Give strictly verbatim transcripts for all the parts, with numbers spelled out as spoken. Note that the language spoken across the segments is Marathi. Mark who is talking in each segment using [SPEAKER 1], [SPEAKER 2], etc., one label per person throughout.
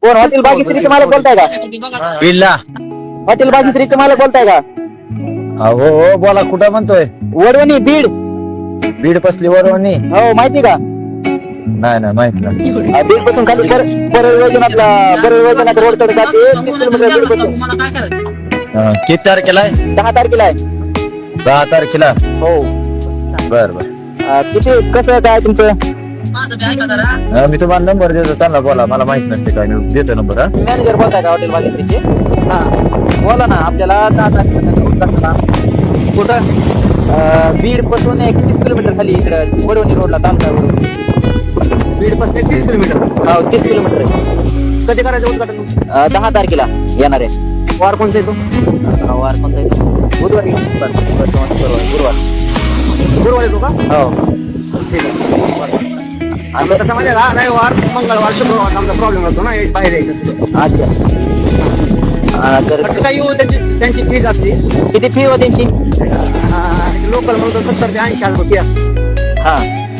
[SPEAKER 1] कोण हॉटेल भाग्यश्रीचे मालक बोलताय का?
[SPEAKER 2] बिल्ला
[SPEAKER 1] हॉटेल भाग्यश्रीचे मालक बोलताय का?
[SPEAKER 2] हो हो बोला कुठं म्हणतोय?
[SPEAKER 1] वडवणी बीड.
[SPEAKER 2] बीड पसली वरवणी?
[SPEAKER 1] हो माहिती का?
[SPEAKER 2] नाही नाही माहित नाही.
[SPEAKER 1] अं, बीड पासून खाली परळ वैजनाथला परळ वैजनाथ रोड कडे जाते तीस किलोमीटर बीड पासून.
[SPEAKER 2] हा, किती तारखेला आहे?
[SPEAKER 1] दहा तारखेला आहे.
[SPEAKER 2] दहा तारखेला.
[SPEAKER 1] हो.
[SPEAKER 2] बर बर.
[SPEAKER 1] अं, किती कसं काय तुमचं?
[SPEAKER 2] हा, मी तुम्हाला नंबर देतो त्यांना बोला मला माहित नसते काय मी देतो नंबर. हा
[SPEAKER 1] मॅनेजर बोलताय का हॉटेल भाग्यश्रीचे? हा बोला ना. आपल्याला दहा तारखेला कुठं? अं, बीड पासून एक तीस किलोमीटर खाली इकडे वडवणी रोडला तालुका वडवणी.
[SPEAKER 3] बीड पासून तीस किलोमीटर.
[SPEAKER 1] हो तीस किलोमीटर आहे.
[SPEAKER 3] कधी करायचं उद्घाटन?
[SPEAKER 1] अं, दहा तारखेला येणार आहे.
[SPEAKER 3] वार कोणता येतो?
[SPEAKER 1] अं, वार कोणता येतो? बुधवारी. बरं, बरं, गुरुवार गुरुवार.
[SPEAKER 3] गुरुवार येतो का?
[SPEAKER 1] हो.
[SPEAKER 3] ठीक आहे. आणि तसं म्हणजे का नाही वार मंगळवार शुक्रवार आमचा प्रॉब्लेम होतो ना एक बाहेर यायचं.
[SPEAKER 1] अच्छा. अं, तर
[SPEAKER 3] फक्त काही येऊ त्यांची त्यांची फीज असते.
[SPEAKER 1] किती फी हो त्यांची?
[SPEAKER 3] लोकल म्हणून सत्तर ते ऐंशी हजार फी असते.
[SPEAKER 1] हा.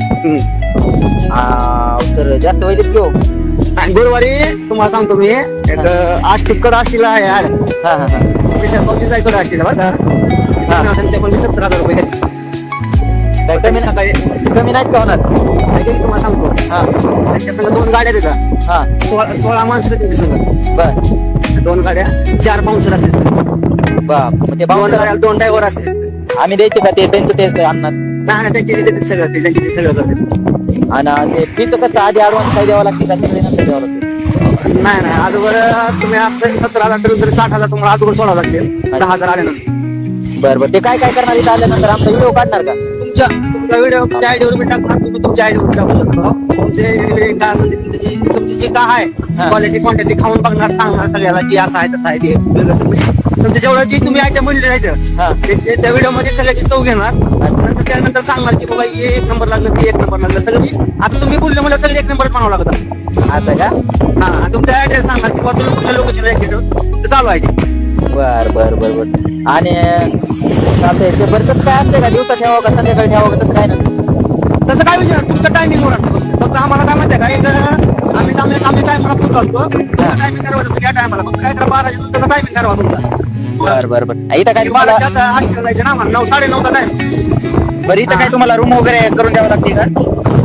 [SPEAKER 1] सर जास्त होईल की हो?
[SPEAKER 3] आणि गुरुवारी तुम्हाला सांगतो मी एक आष्टीक कड आष्टीला आहे यार.
[SPEAKER 1] हा हा हा.
[SPEAKER 3] पक्षीचा इकडे आष्टीला बरं का? त्यांचे पण सत्तर हजार रुपये घेतले.
[SPEAKER 1] काय कमी
[SPEAKER 3] सकाळी
[SPEAKER 1] कमी नाहीत का होणार?
[SPEAKER 3] काहीतरी तुम्हाला सांगतो.
[SPEAKER 1] हा
[SPEAKER 3] त्यांच्या संग दोन गाड्या देतात.
[SPEAKER 1] हा.
[SPEAKER 3] सोळा सोळा माणसं त्यांच्या संग.
[SPEAKER 1] बर
[SPEAKER 3] दोन गाड्या चार पाऊन्सर असते सर.
[SPEAKER 1] बाप. मग ते
[SPEAKER 3] दोन
[SPEAKER 1] बाउन्सर
[SPEAKER 3] गाड्या दोन ड्रायव्हर असते.
[SPEAKER 1] आम्ही द्यायचे का? ते त्यांचं तेच आणणार.
[SPEAKER 3] नाही नाही त्यांची देते सगळं ते त्यांची ते सगळं करते.
[SPEAKER 1] आणि ते फीचं कसं आधी ऍडव्हान्स काय द्यावं लागते का सगळे नंतर द्यावं लागते?
[SPEAKER 3] नाही नाही अगोदर तुम्ही आता सतरा हजार ठरवून तरी साठ हजार तुम्हाला अगोदर सोडावं लागतील दहा हजार आल्यानंतर.
[SPEAKER 1] बरं बरं. ते काय काय करणार इथं आल्यानंतर? आमचा व्हिडिओ काढणार का?
[SPEAKER 3] तुमच्या तुमचा व्हिडिओ तुमच्या आयडीवर मी टाकणार. तुम्ही तुमच्या आयडीवर टाकू शकता. तुमचे काय असेल ते तुमची जी तुमची जी काय आहे
[SPEAKER 1] हा.
[SPEAKER 3] क्वालिटी क्वांटिटी खाऊन बघणार सांगणार सगळ्याला की असं आहे तसं आहे ते वेगळं सगळं. तुमच्या जेवढं जे तुम्ही आयटम म्हणले जायचं
[SPEAKER 1] हा.
[SPEAKER 3] ते ते त्या व्हिडिओ मध्ये सगळ्याची चव घेणार. नंतर त्यानंतर सांगणार की बाबा हे एक नंबर लागलं ते एक नंबर लागलं सगळं. मी आता तुम्ही बोलले मला सगळे एक नंबर बनावं लागतं.
[SPEAKER 1] आता का?
[SPEAKER 3] हा तुमचा ऍड्रेस सांगणार की बाबा तुला कुठल्या लोकेशन तुमचं चालू आहे ते.
[SPEAKER 1] बर बर बर बर. आणि चालतंय. ते बरंच काय असते का? दिवसा ठेवावं का संध्याकाळी ठेवावं का? तसं काय ना
[SPEAKER 3] तसं काय विचार तुमचं टायमिंगवर असतं. फक्त फक्त आम्हाला काय म्हणते का एक आम्ही आम्ही आम्ही टायमाला पोहोच असतो. टायमिंग ठरवायचं या टायमाला फक्त काय करा बाराच्या नंतर टायमिंग ठरवा तुमचा.
[SPEAKER 1] बर बर बर. इथं काय तुम्हाला
[SPEAKER 3] बाराच्या आत आठ जायचं ना आम्हाला नऊ साडे नऊचा टाइम.
[SPEAKER 1] बरं इथं काय तुम्हाला रूम वगैरे करून द्यावं लागते का?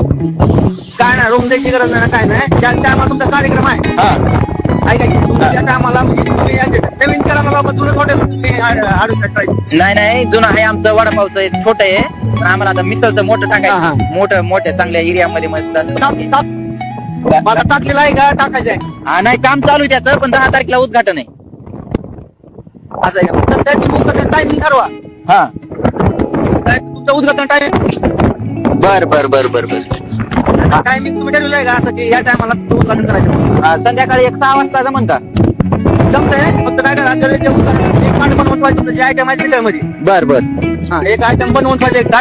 [SPEAKER 3] काय नाही रूम द्यायची गरज नाही काय नाही. ज्या टायमाला तुमचा कार्यक्रम आहे
[SPEAKER 1] हा.
[SPEAKER 3] ऐका की तुमच्या त्या टायमाला म्हणजे तुम्ही याचे नवीन करायला बाबा जुनं हॉटेल तुम्ही आणून टाकायचं.
[SPEAKER 1] नाही नाही जुनं आहे आमचं वडापावचं छोटं आहे. पण आम्हाला आता मिसळचं मोठं
[SPEAKER 3] हा, हा.
[SPEAKER 1] टाकायचं. मोठं मोठ्या चांगल्या एरियामध्ये मस्त असतं.
[SPEAKER 3] टाक टाक माझा टाकलेला आहे का टाकायचं आहे
[SPEAKER 1] हा नाही काम चालू आहे त्याचं. पण दहा तारखेला उद्घाटन आहे.
[SPEAKER 3] असं आहे का? फक्त त्या तुमचं टायमिंग ठरवा.
[SPEAKER 1] हा.
[SPEAKER 3] काय तुमचं उद्घाटन टाइम
[SPEAKER 1] बर बर बर बर बर.
[SPEAKER 3] टायमिंग तुम्ही ठरवलं आहे का असं की या टायमाला उद्घाटन करायचं?
[SPEAKER 1] हा, संध्याकाळी एक सहा वाजता जमन का?
[SPEAKER 3] जमतंय. फक्त काय करा जर जे उद्घाटन एक ताट बनवून पाहिजे तुमचं जे आयटम आहे मिसळमध्ये.
[SPEAKER 1] बर बर.
[SPEAKER 3] हा एक आयटम बनवून पाहिजे एक ताट.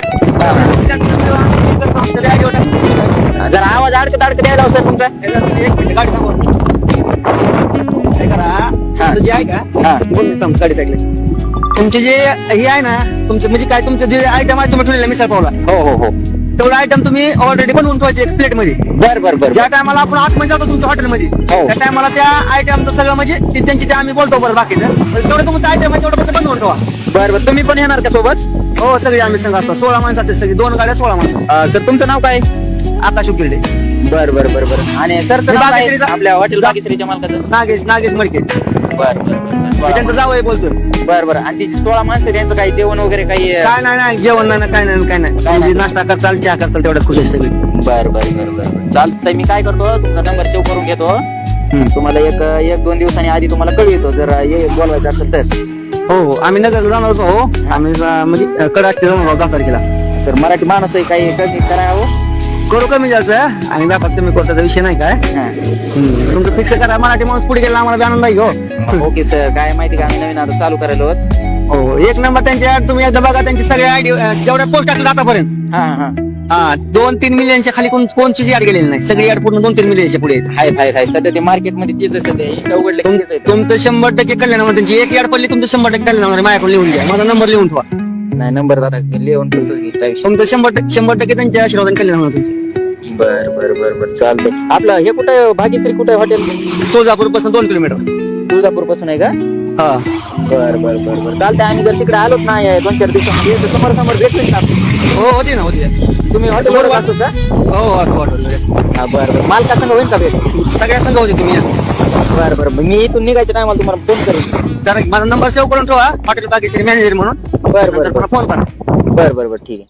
[SPEAKER 3] सगळे आयडिया टाकून
[SPEAKER 1] जरा आवाज अडकत अडकत द्यायला सर तुमचा.
[SPEAKER 3] एक मिनिट गाडी थांबवा. काय करा तुमचं जे आहे का
[SPEAKER 1] हा.
[SPEAKER 3] बोल थांब गाडी साईडला. तुमचे जे हे आहे ना तुमचं म्हणजे काय तुमचं जे आयटम आहे तुम्ही ठेवलेला मिसळ पावला
[SPEAKER 1] हो हो हो.
[SPEAKER 3] तेवढं आयटम तुम्ही ऑलरेडी बनवून ठेवायचे एक प्लेट मध्ये.
[SPEAKER 1] बर बर बर.
[SPEAKER 3] ज्या टायमाला आपण आतमध्ये जातो तुमच्या हॉटेलमध्ये
[SPEAKER 1] हो.
[SPEAKER 3] त्या टायमाला त्या आयटमचं सगळं म्हणजे ते त्यांची ते आम्ही बोलतो बरं बाकीचं तेवढं तुमचं आयटम आहे तेवढं फक्त बनवून ठेवा.
[SPEAKER 1] बर बर. तुम्ही पण येणार का सोबत?
[SPEAKER 3] हो सगळे आम्ही संघ असतो. सोळा माणसं असते सगळी दोन गाड्या सोळा माणसं.
[SPEAKER 1] अं, सर तुमचं नाव काय?
[SPEAKER 3] आकाश उकिरडे.
[SPEAKER 1] बर बर बर बर. आणि सर
[SPEAKER 3] मी बागेश्रीचा-
[SPEAKER 1] आपल्या हॉटेल बागेश्रीच्या मालकाचं?
[SPEAKER 3] नागेश नागेश मडके
[SPEAKER 1] बर बर
[SPEAKER 3] मी त्यांचं जावं बोलतो.
[SPEAKER 1] बर बर. आणि तिची सोळा माणसं त्यांचं काही जेवण वगैरे काही?
[SPEAKER 3] काय नाही नाही जेवण नाही काय नाही काय नाही
[SPEAKER 1] काय नाही.
[SPEAKER 3] म्हणजे नाश्ता करताल चहा करताल तेवढ्यात खुश आहे सगळी.
[SPEAKER 1] बर बर बर बर. चालतंय. मी काय करतो तुमचा नंबर सेव्ह करून घेतो. तुम्हाला एक एक दोन दिवसांनी आधी तुम्हाला कळवितो जर हे बोलवायचं असेल तर.
[SPEAKER 3] हो हो आम्ही नगरला जाणार होतो. हो आम्ही जा- म्हणजे कडाष्टी जाणार आहोत दहा तारखेला.
[SPEAKER 1] सर मराठी माणूस आहे काही कमी करावं.
[SPEAKER 3] करू कमी जायचं आणि व्यापार कमी करताचा विषय नाही काय.
[SPEAKER 1] हा.
[SPEAKER 3] हम्म. तुमचं फिक्स करा मराठी माणूस पुढे गेला आम्हाला बी आनंद आहे हो.
[SPEAKER 1] Okay sir. काय माहिती का आम्ही नवीन आता चालू करायला आहोत.
[SPEAKER 3] हो एक नंबर त्यांची ad तुम्ही एकदा बघा त्यांची सगळे आयडी जेवढ्या पोस्ट टाकले आतापर्यंत
[SPEAKER 1] हा हा.
[SPEAKER 3] हा दोन तीन मिलियनच्या खाली कोण कोणची ऍड गेलेली नाही. सगळी ऍड पूर्ण दोन तीन मिलियनच्या पुढे आहेत.
[SPEAKER 1] हाय हाय हाय. सध्या ते मार्केटमध्ये तेच असतं. ते इंस्टा उघडलं की तेच आहे.
[SPEAKER 3] तुमचं शंभर टक्के कल्याण होणार. त्यांची एक ऍड पडली तुमचं शंभर टक्के कल्याण होणार. माझ्याकडे लिहून घ्या. माझा नंबर लिहून ठेवा.
[SPEAKER 1] नाही नंबर आता लिहून ठेवतो की काय विषय.
[SPEAKER 3] तुमचं शंभर टक्के शंभर टक्के त्यांच्या आशीर्वादाने कल्याण होणार तुमचं.
[SPEAKER 1] बर बर बर बर चालतंय. आपलं हे कुठं आहे भाग्यश्री, कुठं आहे हॉटेल?
[SPEAKER 3] तुळजापूर पासून दोन किलोमीटर.
[SPEAKER 1] तुळजापूर पासून आहे का?
[SPEAKER 3] हा
[SPEAKER 1] बर बर बर बर चालतंय. आम्ही जर तिकडे आलोच ना या दोन चार दिवसामध्ये तर समोर समोर भेटतील का?
[SPEAKER 3] हो होती ना होती.
[SPEAKER 1] तुम्ही हॉटेलवर असतो का?
[SPEAKER 3] हो हो असं वाटलं.
[SPEAKER 1] हा बर बर. मालका संग होईल का भेट?
[SPEAKER 3] सगळ्या संघ होते तुम्ही या.
[SPEAKER 1] बर बर मी इथून निघायच्या टायमाला तुम्हाला फोन करेन.
[SPEAKER 3] कारण माझा नंबर सेव्ह करून ठेवा, हॉटेल बागेश्री मॅनेजर म्हणून.
[SPEAKER 1] बर बर
[SPEAKER 3] नंतर
[SPEAKER 1] बर
[SPEAKER 3] पुन्हा फोन करा.
[SPEAKER 1] बर बर बर ठीक आहे.